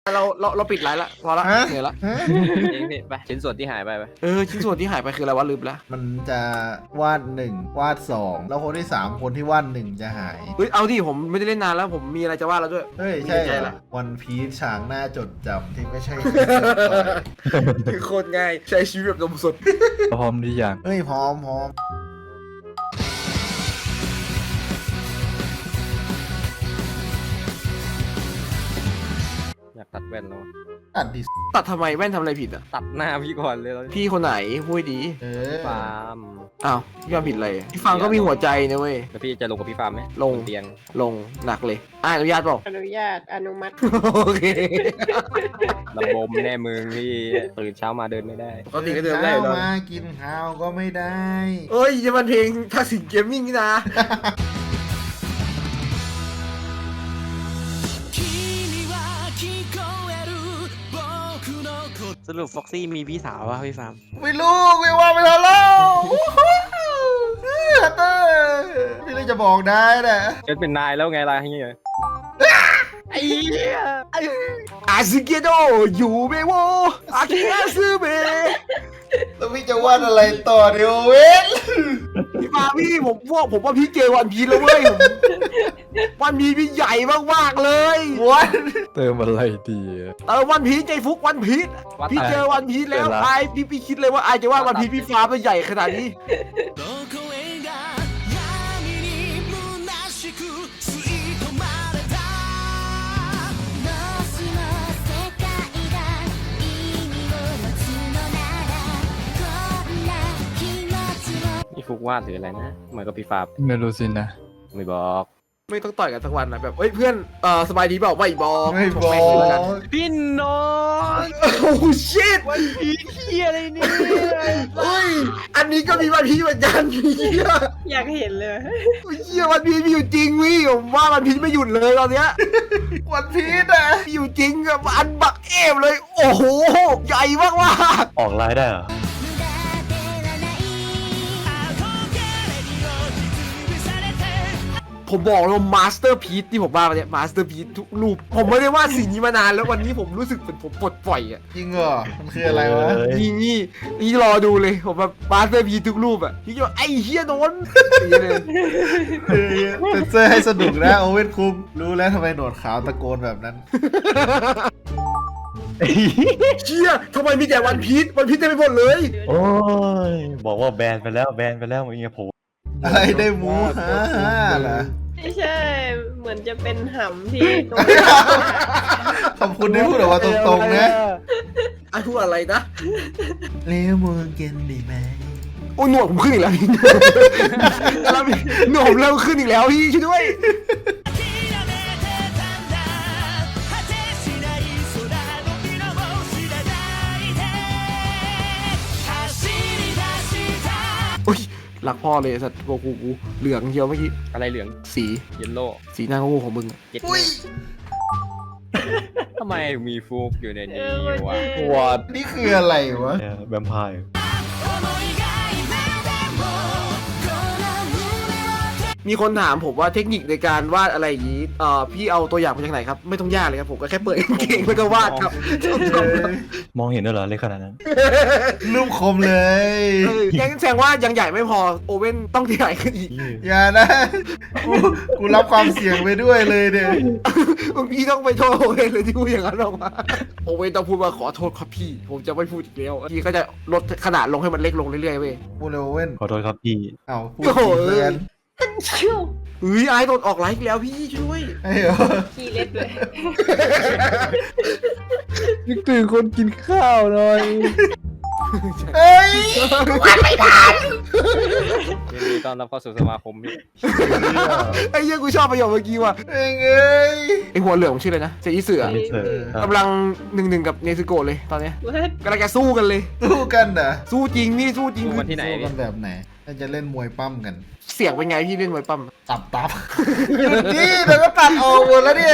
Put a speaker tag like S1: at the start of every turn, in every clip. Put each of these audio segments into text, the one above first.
S1: เราปิดไลน์ละพอละ
S2: ฮะ
S1: เหนื่อยละ
S3: เองพี่ไปชิ้นส่วนที่หายไป
S1: ชิ้นส่วนที่หายไปคืออะไรวะลืมละ
S2: มันจะวาด1วาด2แล้วคนที่3คนที่วาด1จะหาย
S1: เฮ้ยเอาดิผมไม่ได้เล่นนานแล้วผมมีอะไรจะว่าแล้วด้วย
S2: เฮ้ย
S1: มี
S2: ใช่
S1: ใจ
S2: เหร
S1: ละ
S2: อวันพีชฉากหน้าจดจำที่ไม่ใช่
S1: โคตรง่ายใช้ชีวิตแบบนมสด
S4: พร้อมหรือยัง
S2: เฮ้ยพร้อม
S3: อยากตัดแว่นแล้ว
S2: ตัดดิ
S1: ตัดทำไมแว่นทำอะไรผิดอ่ะ
S3: ตัดหน้าพี่ก่อนเลยแล้ว
S1: พี่คนไหนพูดดี
S2: เออ
S3: ฟาร์ม
S1: อ้าวพี่ฟาร์มผิดอะไรพี่ฟาร์มก็มีหัวใจนะเว้ย
S3: แล้วพี่จะลงกับพี่ฟาร์มไหม
S1: ลง
S3: บนเตียง
S1: ลงหนักเลยอนุญาตเปล่า
S5: อนุญาตอนุมัติ
S1: โอเค
S3: ระบมแน่มึงพี่ตื่นเช้ามาเดินไม่ได้
S1: ปกติก็เดินได้อยู่แล้ว
S2: มากินข้าวก็ไม่ได้
S1: เอ้ยจะมันเพลงทักษิณเกมมิ่งนี่นะ
S6: สรุปฟ็อกซี่มีพี่สาววะพี่ฟาร์ม
S2: ไม่รู้ไม่ว่าไม่ทันแล้วฮัตเตอร์พี่เลยจะบอกได้นะ
S3: เกิดเป็นนายแล้วไงล่ะเฮีย
S1: อาซึเกโดอยู่เบโวอาคิอาซึเบ
S2: แล้วพี่จะวาดอะไรต่อเดี๋ยวเว้น
S1: พี่ฟาร์มพี่ผมว่าพี่เจอวันพีชแล้วเว้ยวันพีชพี่ใหญ่มากๆเลย
S2: วัน
S4: เติมอะไรดีอะ
S1: วันพีชใจฟุกวันพีชพี่เจอวันพีชแล้ว
S4: เจอละ
S1: ไอพี่คิดเลยว่าไอจะว่าวันพีชพี่ฟาร์มมันใหญ่ขนาดนี้
S3: พี่ฟุกวาดหรืออะไรนะเหมือนกับพี่ฟาร์ม
S4: ไม่รู้สินะ
S3: ไม่บอก
S1: ไม่ต้องต่อยกันสักวันนะแบบเฮ้ยเพื่อนสบายดีเปล่าไม่บอก
S2: ไม่บอก
S6: พี่น้อง
S1: โอ้ชิต
S6: วันพีเฮียอะไรเนี่ย
S1: เฮ้ยอันนี้ก็มีวันพีชเหมือนกันเฮีย
S5: อยากเห็นเลย
S1: เฮียวันพีชมีอยู่จริงวิผมว่าวันพีชไม่หยุดเลยตอนเนี้ย
S2: วันพีชอะ
S1: มีอยู่จริงอะอันบักเอฟเลย โอ้โหใหญ่มาก
S4: ออกไลน์ได้เหรอ
S1: ผมบอกเลยว่ามาสเตอร์พีซที่ผมว่าเนี่ยมาสเตอร์พีซทุกรูปผมไม่ได้ว่าสิ่งนี้มานานแล้ววันนี้ผมรู้สึกเหมือนผมปลดปล่อยอะ
S2: จริงเหรอมันคืออะไรวะ
S1: นี่รอดูเลยผมแบบมาสเตอร์พีซทุกรูปอะพี่จะไอ้เฮียโดนอย่างเงี้ยเลย
S2: เซนเซอร์ให้สนุกนะโอเว่นคุงรู้แล้วทำไมหนวดขาวตะโกนแบบนั้น
S1: เชี่ยทำไมมีแต่วันพีชเต็มไปหมดเลย
S4: โอ้ย บอกว่าแบนไปแล้วมึงอย่าโผล่
S2: อะไรได้หมูฮ่าฮ่าเหรอ
S5: ไม่ใช่ เหมือนจะเป็นหำที่ตรง
S2: ขอบคุณที่พูดออกมาตรงๆนะ
S1: ไอ้พูดอะไรนะ
S2: เลี้ยวมือเกินดีไหม
S1: โอ้ยหนวดผมขึ้นอีกแล้วพี่หนวดผมเริ่มขึ้นอีกแล้วพี่ช่วยด้วย โอ้ยหลักพ่อเลยสัตว์กูเหลืองเชียวเมื่อกี้
S3: อะไรเหลือง
S1: สี
S3: เยลโล่
S1: สีหน้างูของมึงอะ
S3: เจ็ดทำไมมีฟุกอยู่ในนี้วะ
S4: วอด
S2: นี่คืออะไรวะ
S4: แวมไพร์
S1: มีคนถามผมว่าเทคนิคในการวาดอะไรอย่างนี้พี่เอาตัวอย่างมาจากไหนครับไม่ต้องยากเลยครับผมก็แค่เปิดกางเกงแล้วก็วาดครับ
S4: มองเห็นด้วยเหรอเล็กขนาดนั้น
S2: รูปคมเลย
S1: ยังแสดงว่ายังใหญ่ไม่พอโอเว่นต้องใหญ่ขึ้นอีก
S2: อย่านะกูรับความเสี่ยงไปด้วยเลยเนี่ย
S1: บางพี่ต้องไปโทษโอเว่นเลยที่พูดอย่างนั้นออกมาโอเว่นต้องพูดว่าขอโทษครับพี่ ผมจะไม่พูดอีกแล้วพี่ก็จะลดขนาดลงให้มันเล็กลงเรื่อยๆเว้ย
S2: พูดเลยโอเว่น
S4: ขอโทษครับพี่
S2: เอาพูด
S1: โอ้โห
S2: จริงเลยกัน
S1: เฮ้ยไอ้โดนออกไลฟ์อีกแล้วพี่ช่วย
S2: ไอ้เหรอ
S5: ขี้เล็บเลย
S4: นึกถึงคนกินข้าวหน่อย
S2: เฮ้ย
S3: ยินดีต้อนรับเข้าสู่สมาคมพี่
S1: ไอ้เหี้ยกูชอบประโยคเมื่อกี้ว่ะ
S2: เอ้ยเอ้ย
S1: ไอ้หัวเหลืองมันชื่ออะไรนะเจอิเสือ
S4: ไม่เถอะครับ
S1: กำลัง1-1กับเนซึโกะเลยตอนเนี้ย
S5: What?
S1: กำลังจะสู้กันเลย
S2: สู้กันเหรอ
S1: สู้จริงพี่สู้จริง
S3: ดูมันที่ไหน
S2: สู้กั
S3: พี่
S2: นแบบไหนน่าจะเล่นมวยปั้มกัน
S1: เสียงเป็นไงพี่เล่นมวยปั้ม
S2: ตับหยุดนี่เดี๋ยวก็ตัดออกหมดแล้วเนี่ย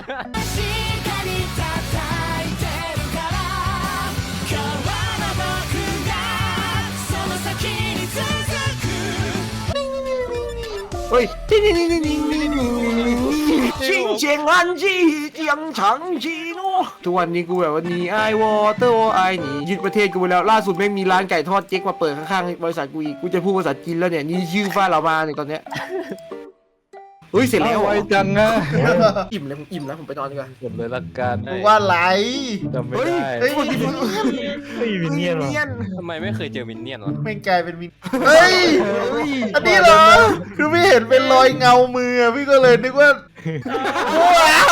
S1: เฮ้ยชิงเจียงอันจีเจียงฉังจีโน่ทุกวันนี้กูแบบว่านีไอวอเตอร์ไอหนียึดประเทศกูไปแล้วล่าสุดแม่งมีร้านไก่ทอดเจ๊กมาเปิดข้างๆบริษัทกูอีกกูจะพูดภาษาจีนแล้วเนี่ยนี่ชื่อฟ้าเรามาเนี่ยตอนเนี้ยเฮ้ยเสร็จแล้ว
S6: ไวจังอะ
S1: อิ่มแล้วผมอิ่มแล้วผมไปนอนดีกว่า
S6: กดเลยละกัน
S2: มึงว่าไร
S6: จำไม่
S1: เฮ้ย
S6: ได้
S1: เฮ้ยมันมี
S4: เฮ้ยวินเนียนว่ะ
S3: ทำไมไม่เคยเจอมินเนี่ยนวะ
S2: ไม่กลายเป็นมินเฮ้ย อันนี้เหรอ คือพี่เห็นเป็นรอยเงามืออะพี่ก็เลยนึกว่าว้า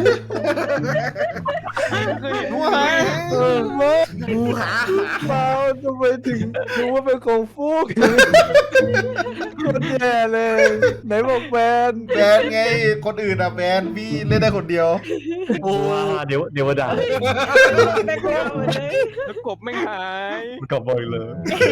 S6: ว้าย
S1: งูหา
S6: เปล่าทำไมถึงรู้ว่าเป็นของฟุกคนแย่เลย ไหนบอกแฟน
S2: แบนไง คนอื่นอะแบนพี่เล่นได้คนเดียว
S4: ว้าเดี๋ยวด่า
S5: แบกเราเลย
S3: แล้วกบไม่หาย
S4: มันกลับบ่อยเลย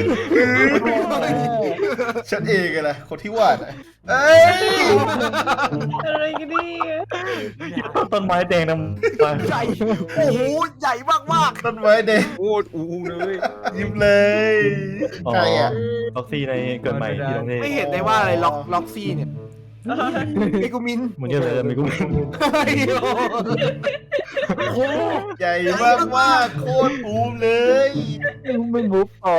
S2: ฉันเองไงล่ะคนที่วาดอะเอ้ย
S5: อะไรกันเนี่ย
S4: ต้นไม้แดงนำไป
S1: ใหญ่โอ้โหใหญ่มาก
S2: ต้นไม้เด็ก
S3: โคตรอูเลย
S2: ยิ้มเลยใครอะ
S4: ล็อกซี่ในเกิดใหม่ที่ประเท
S1: ๆ
S4: ศ
S1: ไม่เห็นได้ว่าอะไรล็อกซี่เนี่ยไอ้กูมิน
S4: มึงจะเลยมีกู
S1: เฮ้ยโอ้โห
S2: ใหญ่มากๆโคตรบูมเลย
S6: ไม่มุฟออน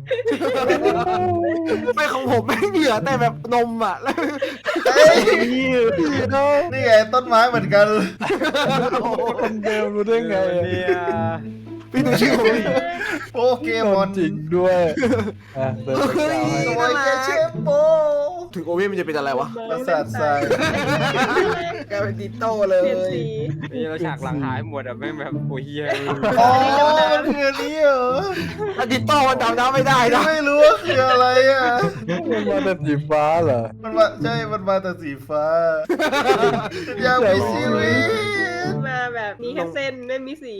S1: ไม่ของผมไม่เหลือแต่แบบนมอ่ะแล้ว
S2: เอ้ย
S6: นี่นะ
S2: นี่ไงต้นไม้เหมือนกัน
S6: คนเดิมรู้ได้ไง
S3: เนี่ย
S1: พี่ดูชื่อผมดิ
S2: โปเกมอน
S6: จริงด้วยอ่ะเดินไปกล่าวให้
S2: ตัวแกเชฟโป
S1: ถึงโอเว่นมันจะเป็นอะไรวะ
S2: ประสาททราย
S1: กลายเป็นดิโต้เลย
S5: เปลี่ยนสี
S3: นี่เราฉากหลังหายหมดอ่ะแม่งแบบโอ้ยเฮีย
S2: อ๋อมันคืออันนี้เหรอ
S1: แล้วดิโต้มันดำน้ำไม่ได้นะ
S2: ไม่รู้ว่าคืออะไรอ่ะ
S6: มันมาแต่สีฟ้าเหรอ
S2: มันมาใช่ มันมาแต่สีฟ้าอยากมีชีวิต
S5: มาแบบมีแค่เส้นไม่มีสี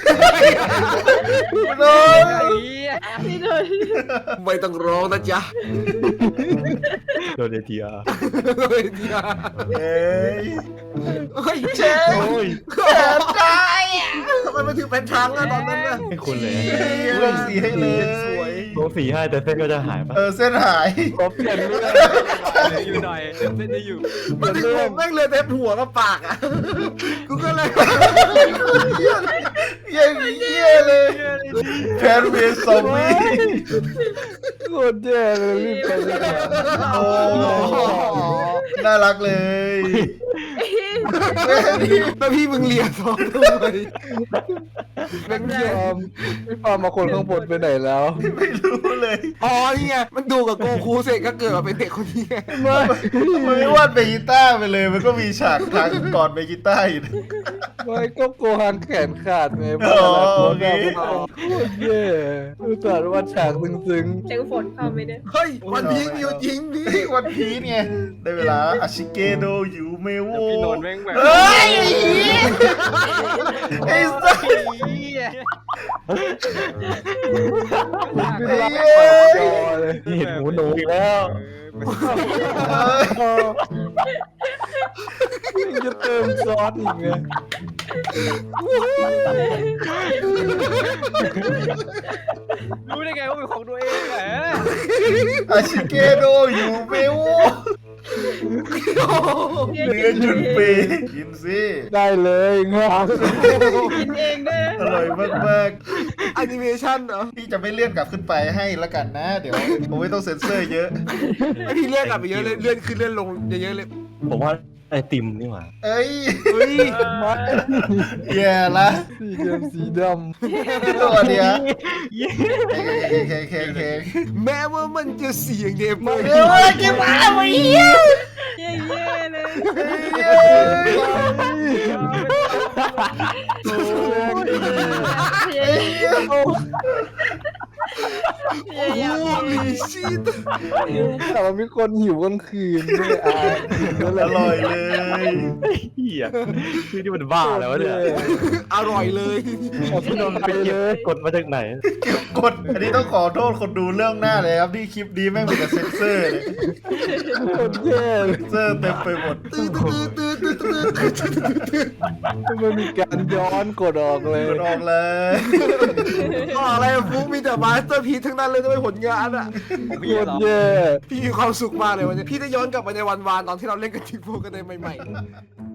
S2: โน้ย
S5: นี่เลย
S1: ไม่ต้องร้องนะจ๊ะ
S4: โดนเอทีอาร์
S2: เอ้ย
S1: เฮ้ย
S2: เชฟ
S4: โอ้ย
S2: แสบใจ
S1: ทำไมมันถึงเป็นทางอะตอนนั้นน่ะ
S4: ไม่คุณเลย
S2: เริ่มสีให้เลย
S1: สวย
S4: ลงสีให้แต่เส้นก็จะหายปะ
S2: เส้นหาย
S6: ขอเปลี่ยนเรื่อง
S3: อยู่หน่อยเส้นได้อยู่
S1: มันถึงผมแม่งเลยเต็มหัวกับปากอ่ะกูก็เลย
S2: อย่างเงี้ยเลยแพนเวสซอมบี้
S6: โคตรแย่เลยรีบไปเลย
S2: โอ้น่ารักเลย แม่นี่
S1: แล้วพี่มึงเลียท้องทำไมแม่งเลีย
S6: พี่ฟาร์มมาคนข้างบนไปไหนแล้ว
S2: ไม่รู้เลย
S1: อ๋อนี่ไงมันดูกับโกคูเสร็จก็เกิดมาเป็นเด็กคนนี้ไง
S2: มันไม่วาดเบจิต้าไปเลย มันก็มีฉากทางก่อนเบจิต้าอยู่นะ
S6: ไม่ก็โกฮังแขนขาดไง
S2: อ๋อโอเค
S6: โคตรแย่อุตส่าห์ว่าฉากซึ้ง
S5: เสียงฝนเข้าไหมเนี่ย
S1: เฮ้ยมันพิงอยู่จริงพี่
S2: วันพีชไงได้เวลาอาชิเกโดยูเมโว
S3: แล้วพี่โนนแม่งแบบ
S2: เฮ้ยไอ้สัส
S6: ๆ
S2: ไอ้
S6: ไม่
S2: เหี้
S6: รัก
S2: ย
S6: จอเลย
S4: นี่เห็นหูหนูอีกแล้ว
S6: ยังจะเติมซอสอีกไง
S3: รู้ได้ไงว่าเป็นของตัวเองแหละ
S2: อาชิเกโดยูเมโวเนื้อจุดเปย์กินสิ
S6: ได้เลยงาม
S5: กินเองด้วยนะ
S2: อร่อยมาก
S1: แอนิเมชันเหรอ
S2: ๆพี่จะไม่เลื่อนกลับขึ้นไปให้ละกันนะ เดี๋ยวผมไม่ต้องเซ็นเซอร์เยอะ
S1: ไอพี่เลื่อนกลับไปเยอะเลยเลื่อนขึ้นเลื่อนลงเยอะๆเลย
S4: ผมว่าไอติมนี่หว่า
S2: เอ้ย
S1: เฮ้ย
S6: มัด
S2: แย่ละ
S6: สีเดิมสีด
S2: ตัวเดียวเค
S1: แม้ว่ามันจะเสียงเดมาก
S2: เดี๋ยวอะไรกินมาไอ้เหี้ย
S5: เย่ๆเลย
S6: ำ
S5: เย่
S1: โอ้
S5: ๆ
S1: โหมีชีต
S6: แต่ว่ามีคนหิวกลางคืนด้วยอ่ะนั่นแห
S2: อ
S6: ละ
S2: ร่อยเลย
S4: เฮียชื่อที่มันบ้าแล้วเนี่ย
S1: อร่อยเลย
S6: เอาพี่นนท์ไปเลย
S4: กดมาจากไหน
S2: กดอันนี้ต้องขอโทษคนดูเรื่องหน้าเลยครับที่คลิปนี้แม่งมีแต่เซ็นเซอร์เลย
S6: คนแย่เลย
S2: เซอร์เต็มไปหมด
S1: ตื้อ
S6: มันมีการย้อนกดออกเลย
S2: กดออกเลย
S1: อะไรฟุกมีแต่มาสเตอร์พีซทั้งนั้นเลยด้วยผลงานอ่ะ
S3: ของ
S6: โค
S3: พี่
S6: ต
S3: เห
S6: ร
S3: รอ
S6: แย่
S1: พี่มีความสุขมากเลยวันนี้พี่ได้ย้อนกลับไปในวันวานตอนที่เราเล่นกันทิงโฟกันในใหม่ๆ